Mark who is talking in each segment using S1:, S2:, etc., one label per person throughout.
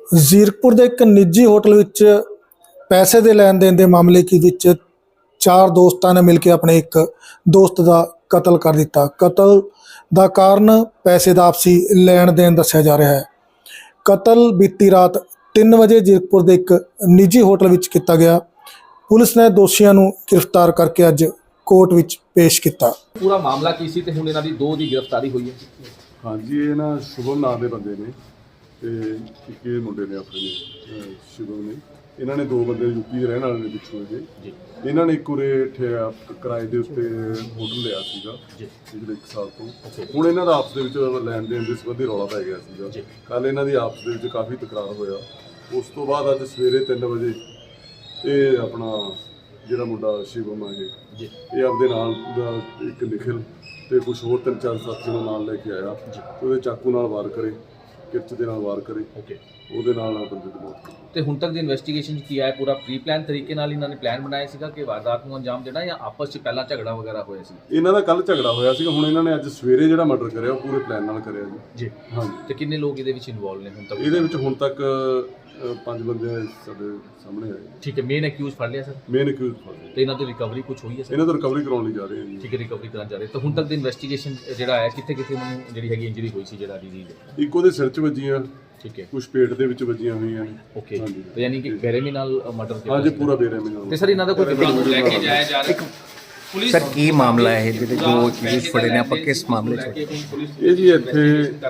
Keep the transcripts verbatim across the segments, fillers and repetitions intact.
S1: ਜ਼ੀਰਕਪੁਰ ਦੇ ਇੱਕ ਨਿੱਜੀ ਹੋਟਲ ਵਿੱਚ ਪੈਸੇ ਦੇ ਲੈਣ ਦੇਣ ਦੇ ਮਾਮਲੇ ਕੀ ਵਿੱਚ ਚਾਰ ਦੋਸਤਾਂ ਨੇ ਮਿਲ ਕੇ ਆਪਣੇ ਇੱਕ ਦੋਸਤ ਦਾ ਕਤਲ ਕਰ ਦਿੱਤਾ। ਕਤਲ ਦਾ ਕਾਰਨ ਪੈਸੇ ਦਾ ਆਪਸੀ ਲੈਣ ਦੇਣ ਦੱਸਿਆ ਜਾ ਰਿਹਾ ਹੈ। ਕਤਲ ਬੀਤੀ ਰਾਤ ਤਿੰਨ ਵਜੇ ਜ਼ੀਰਕਪੁਰ ਦੇ ਇੱਕ ਨਿੱਜੀ ਹੋਟਲ ਵਿੱਚ ਕੀਤਾ ਗਿਆ। ਪੁਲਿਸ ਨੇ ਦੋਸ਼ੀਆਂ ਨੂੰ ਗ੍ਰਿਫਤਾਰ ਕਰਕੇ ਅੱਜ ਕੋਰਟ ਵਿੱਚ ਪੇਸ਼ ਕੀਤਾ।
S2: ਪੂਰਾ ਮਾਮਲਾ ਕੀ ਸੀ ਤੇ ਹੁਣ ਇਹਨਾਂ ਦੀ ਦੋ ਦੀ ਗ੍ਰਿਫਤਾਰੀ ਹੋਈ ਹੈ।
S3: ਹਾਂਜੀ, ਇਹ ਨਾ ਸ਼ੁਭਮ ਨਾਂ ਦੇ ਬੰਦੇ ਨੇ ਤੇ ਇੱਕ ਇਹ ਮੁੰਡੇ ਨੇ ਆਪਣੇ ਨੇ ਸ਼ੁਭਮ ਨੇ। ਇਹਨਾਂ ਨੇ ਦੋ ਬੰਦੇ ਯੂਪੀ ਦੇ ਰਹਿਣ ਵਾਲੇ ਨੇ ਪਿੱਛੋਂ ਇਹ। ਇਹਨਾਂ ਨੇ ਇੱਕ ਉਰੇ ਕਿਰਾਏ ਦੇ ਉੱਤੇ ਹੋਟਲ ਲਿਆ ਸੀਗਾ ਪਿਛਲੇ ਇੱਕ ਸਾਲ ਤੋਂ। ਹੁਣ ਇਹਨਾਂ ਦਾ ਆਪਸ ਦੇ ਵਿੱਚ ਲੈਣ ਦੇਣ ਦੇ ਸੰਬੰਧੀ ਰੌਲਾ ਪੈ ਗਿਆ ਸੀਗਾ। ਕੱਲ੍ਹ ਇਹਨਾਂ ਦੀ ਆਪਸ ਦੇ ਵਿੱਚ ਕਾਫੀ ਤਕਰਾਰ ਹੋਇਆ। ਉਸ ਤੋਂ ਬਾਅਦ ਅੱਜ ਸਵੇਰੇ ਤਿੰਨ ਵਜੇ ਇਹ ਆਪਣਾ ਜਿਹੜਾ ਮੁੰਡਾ ਸ਼ਿਵਮ ਆ ਇਹ ਇਹ ਆਪਦੇ ਨਾਲ ਦਾ ਇੱਕ ਨਿਖਿਲ ਤੇ ਕੁਝ ਹੋਰ ਤਿੰਨ ਚਾਰ ਸਾਥੀਆਂ ਨੂੰ ਨਾਲ ਲੈ ਕੇ ਆਇਆ ਤੇ ਉਹਦੇ ਚਾਕੂ ਨਾਲ ਵਾਰ ਕਰੇ, ਕਿਰਚ ਦੇ ਨਾਲ ਵਾਰ ਕਰੇ, ਉਹਦੇ ਨਾਲ ਬੰਦੇ ਦੀ ਮੌਤ।
S2: ਤੇ ਹੁਣ ਤੱਕ ਦੀ ਇਨਵੈਸਟੀਗੇਸ਼ਨ ਕੀ ਆਇਆ? ਪੂਰਾ ਪ੍ਰੀ ਪਲਾਨ ਤਰੀਕੇ ਨਾਲ ਇਹਨਾਂ ਨੇ ਪਲਾਨ ਬਣਾਇਆ ਸੀਗਾ ਕਿ ਵਾਰਦਾਤ ਨੂੰ ਅੰਜਾਮ ਦੇਣਾ ਜਾਂ ਆਪਸ 'ਚ ਪਹਿਲਾਂ ਝਗੜਾ ਵਗੈਰਾ ਹੋਇਆ ਸੀ?
S3: ਇਹਨਾਂ ਦਾ ਕੱਲ ਝਗੜਾ ਹੋਇਆ ਸੀਗਾ। ਹੁਣ ਇਹਨਾਂ ਨੇ ਅੱਜ ਸਵੇਰੇ ਜਿਹੜਾ ਮਰਡਰ ਕਰਿਆ ਉਹ ਪੂਰੇ ਪਲਾਨ ਨਾਲ ਕਰਿਆ ਜੀ।
S2: ਜੀ ਹਾਂਜੀ। ਤੇ ਕਿੰਨੇ ਲੋਕ ਇਹਦੇ ਵਿੱਚ ਇਨਵੋਲਵ ਨੇ ਹੁਣ ਤੱਕ?
S3: ਇਹਦੇ ਵਿੱਚ ਹੁਣ ਤੱਕ ਪੰਜ ਬੰਦੇ ਸਾਡੇ ਸਾਹਮਣੇ ਆਏ।
S2: ਠੀਕ ਹੈ। ਮੇਨ ਅਕਿਊਜ਼ ਫੜ ਲਿਆ ਸਰ?
S3: ਮੇਨ ਅਕਿਊਜ਼ ਫੜ ਲਿਆ।
S2: ਤੇ ਇਹਨਾਂ ਦੀ ਰਿਕਵਰੀ ਕੁਝ ਹੋਈ ਹੈ ਸਰ?
S3: ਇਹਨਾਂ ਤੋਂ ਰਿਕਵਰੀ ਕਰਾਉਣ ਲਈ ਜਾ ਰਹੇ ਹਾਂ ਜੀ।
S2: ਠੀਕ ਹੈ, ਰਿਕਵਰੀ ਕਰਨ ਜਾ ਰਹੇ। ਤਾਂ ਹੁਣ ਤੱਕ ਦੀ ਇਨਵੈਸਟੀਗੇਸ਼ਨ ਜਿਹੜਾ ਹੈ ਕਿੱਥੇ ਕਿੱਥੇ ਮੈਨੂੰ ਜਿਹੜੀ ਹੈਗੀ ਇੰਜਰੀ ਹੋਈ ਸੀ ਜਿਹੜਾ ਡਿਜ਼ੀਜ਼?
S3: ਇੱਕ ਉਹਦੇ ਸਿਰ 'ਚ ਵੱਜੀਆਂ,
S2: ਠੀਕ ਹੈ,
S3: ਕੁਝ ਪੇਟ ਦੇ ਵਿੱਚ ਵੱਜੀਆਂ ਹੋਈਆਂ ਨੇ।
S2: ਓਕੇ। ਤੇ ਯਾਨੀ ਕਿ ਬੇਰਹਿਮੀ ਨਾਲ ਮਰਡਰ ਕੀਤਾ?
S3: ਹਾਂਜੀ, ਪੂਰਾ ਬੇਰਹਿਮੀ ਨਾਲ।
S2: ਤੇ ਸਰ ਇਹਨਾਂ ਦਾ ਕੋਈ ਲੈ ਕੇ ਜਾਇਆ ਜਾ ਰਿਹਾ ਪੁਲਿਸ?
S4: ਸਰ ਕੀ ਮਾਮਲਾ ਹੈ ਜਿਹਦੇ ਦੋ ਚੀਜ਼ ਫੜੇ ਨੇ, ਆਪਾਂ ਕਿਸ ਮਾਮਲੇ 'ਚ?
S3: ਇਹ ਜੀ ਇੱਥੇ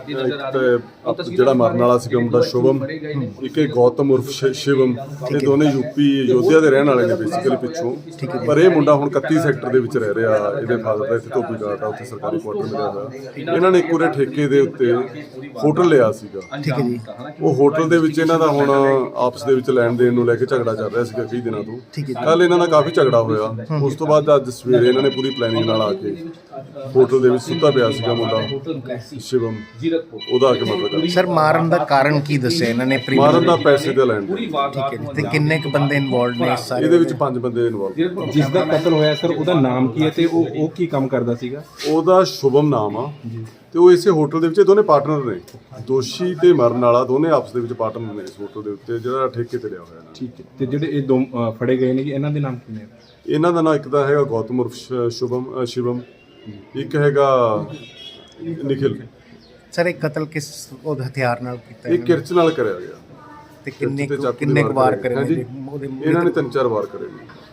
S3: ਇੱਕ ਜਿਹੜਾ ਮਰਨ ਵਾਲਾ ਸੀਗਾ ਮੁੰਡਾ ਸ਼ੁਭਮ, ਇੱਕ ਇਹ ਗੌਤਮ ਉਰਫ ਸ਼ਿਵਮ, ਇਹ ਦੋਨੇ ਯੂਪੀ ਯੋਧਿਆ ਦੇ ਰਹਿਣ ਵਾਲੇ ਨੇ ਬੇਸਿਕਲੀ ਪਿੱਛੋਂ। ਪਰ ਇਹ ਮੁੰਡਾ ਹੁਣ ਇਕੱਤੀ ਸੈਕਟਰ ਦੇ ਵਿੱਚ ਰਹਿ ਰਿਹਾ। ਇਹਦੇ ਫਾਦਰ ਦਾ ਇੱਥੇ ਧੋਬੀ ਘਾਟ ਆ, ਉੱਥੇ ਸਰਕਾਰੀ ਕੁਆਟਰ ਮਿਲਿਆ ਹੋਇਆ। ਇਹਨਾਂ ਨੇ ਇੱਕ ਪੂਰੇ ਠੇਕੇ ਦੇ ਉੱਤੇ ਹੋਟਲ ਲਿਆ ਸੀਗਾ।
S4: ਠੀਕ ਹੈ ਜੀ।
S3: ਉਹ ਹੋਟਲ ਦੇ ਵਿੱਚ ਇਹਨਾਂ ਦਾ ਹੁਣ ਆਪਸ ਦੇ ਵਿੱਚ ਲੈਣ ਦੇਣ ਨੂੰ ਲੈ ਕੇ ਝਗੜਾ ਚੱਲ ਰਿਹਾ ਸੀਗਾ ਕਈ ਦਿਨਾਂ ਤੋਂ। ਕੱਲ ਇਹਨਾਂ ਦਾ ਕਾਫੀ ਝਗੜਾ ਹੋਇਆ। ਉਸ ਤੋਂ ਬਾਅਦ ਅੱਜ ਸਵੇਰੇ ਇਹਨਾਂ ਨੇ ਪੂਰੀ ਪਲੈਨਿੰਗ ਨਾਲ ਆ ਕੇ ਹੋਟਲ ਦੇ ਵਿੱਚ ਸੁੱਤਾ ਪਿਆ ਸੀਗਾ ਮੁੰਡਾ ਸ਼ਿਵਮ, ਉਹਦਾ ਆ ਕੇ ਮਰਡਰ ਕਰ।
S4: ਸਰ ਮਾਰਨ ਦਾ ਕਾਰਨ ਕੀ ਦੱਸਿਆ ਇਹਨਾਂ ਨੇ?
S3: ਮਾਰਨ ਦਾ ਪੈਸੇ ਦਾ ਲੈਣ।
S4: ਠੀਕ ਹੈ। ਤੇ ਕਿੰਨੇ ਕੁ ਬੰਦੇ ਇਨਵੋਲਡ ਨੇ ਸਾਰੇ?
S3: ਇਹਦੇ ਵਿੱਚ ਪੰਜ ਬੰਦੇ ਇਨਵੋਲਵ।
S5: ਜਿਸ ਦਾ ਕਤਲ ਹੋਇਆ ਸਰ ਉਹਦਾ ਨਾਮ ਕੀ ਹੈ ਤੇ ਉਹ ਉਹ ਕੀ ਕੰਮ ਕਰਦਾ ਸੀਗਾ?
S3: ਉਹਦਾ ਸ਼ੁਭਮ ਨਾਮ ਆ ਤੇ ਉਹ ਇਸੇ ਹੋਟਲ ਦੇ ਵਿੱਚ ਦੋਨੇ ਪਾਰਟਨਰ ਨੇ। ਦੋਸ਼ੀ ਤੇ ਮਰਨ ਵਾਲਾ ਦੋਨੇ ਆਪਸ ਦੇ ਵਿੱਚ ਪਾਰਟਨਰ ਨੇ ਇਸ ਹੋਟਲ ਦੇ ਉੱਤੇ ਜਿਹੜਾ ਠੇਕੇ ਤੇ ਲਿਆ ਹੋਇਆ।
S5: ਠੀਕ ਹੈ। ਤੇ ਜਿਹੜੇ ਇਹ ਦੋ ਅ, ਫੜੇ ਗਏ ਨੇ ਜੀ, ਇਹਨਾਂ ਦੇ ਨਾਮ ਕੀ ਨੇ?
S3: ਇਹਨਾਂ ਦਾ ਨਾਮ ਇੱਕ ਤਾਂ ਹੈਗਾ ਗੌਤਮ ਉਰਫ ਸ਼ੁਭਮ ਸ਼ਿਵਮ, ਇੱਕ ਹੈਗਾ ਨਿਖਿਲ।
S4: ਸਰ ਇਹ ਕਤਲ ਕਿਸ ਉਹ ਹਥਿਆਰ ਨਾਲ ਕੀਤਾ?
S3: ਇਹ ਕਿਰਚ ਨਾਲ ਕਰਿਆ ਗਿਆ।
S4: ਤੇ ਕਿੰਨੇ
S3: ਕਿਰਚ ਤੇ ਚਾਕੂ
S4: ਕਿੰਨੇ
S3: ਦੇ
S4: ਕੁ ਵਾਰ
S3: ਕਰੇ।
S4: ਕਰੇ
S3: ਹਾਂਜੀ,
S4: ਉਹਦੇ?
S3: ਇਹਨਾਂ ਨੇ ਤਿੰਨ ਚਾਰ ਵਾਰ ਕਰੇ ਨੇ।